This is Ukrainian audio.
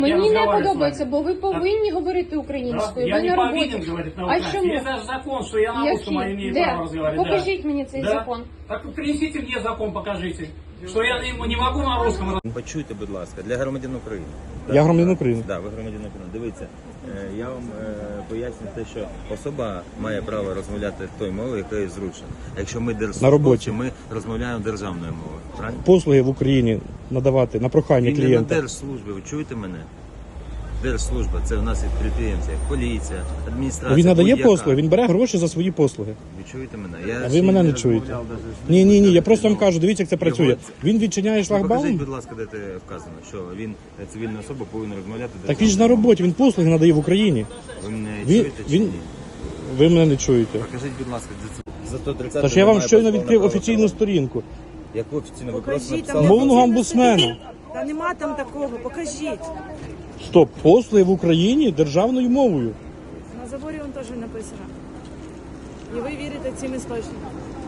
Мені не подобається, бо ви повинні говорити українською. Я Ви не на роботі. повинен говорить на А украинском. чому? Есть даже закон, что я на русском имею Де? право разговаривать. Покажіть мені цей Да? закон. Так принесите мне закон, покажите. Что я не могу на русском. Почуйте, будь ласка, для громадян України. Я громадянин України. Так, ви громадянин України. Дивіться, я вам поясню те, що особа має право розмовляти тою мовою, якою зручно. Якщо ми На роботі. держслужбовці, ми розмовляємо державною мовою. Правильно? Послуги в Україні надавати на прохання Він не на клієнта. держслужбі, ви чуєте мене? Держслужба, це у нас і підприємці, як поліція, адміністрація. Він надає будь-яка. послуги, він бере гроші за свої послуги. Ви чуєте мене? Я А ще ви мене не розмовляв чуєте. даже з Ні, людьми, я просто вам ну, кажу, дивіться, як це працює. його- Він відчиняє Покажіть, шлагбаум. будь ласка, де це вказано, що він цивільна особа повинна розмовляти. Так він ж на роботі, він послуги надає в Україні. Ви мене Він- чуєте чи він- ні? Ви мене не чуєте. Покажіть, будь ласка, за 130. Тож я вам щойно відкрив офіційну сторінку. Яку офіційну? Ви Покажіть, просто там написали? Мовного омбудсмена. Та нема там такого, покажіть. Стоп, послуги в Україні державною мовою. На заборі він теж написано. І ви вірите цим істочникам.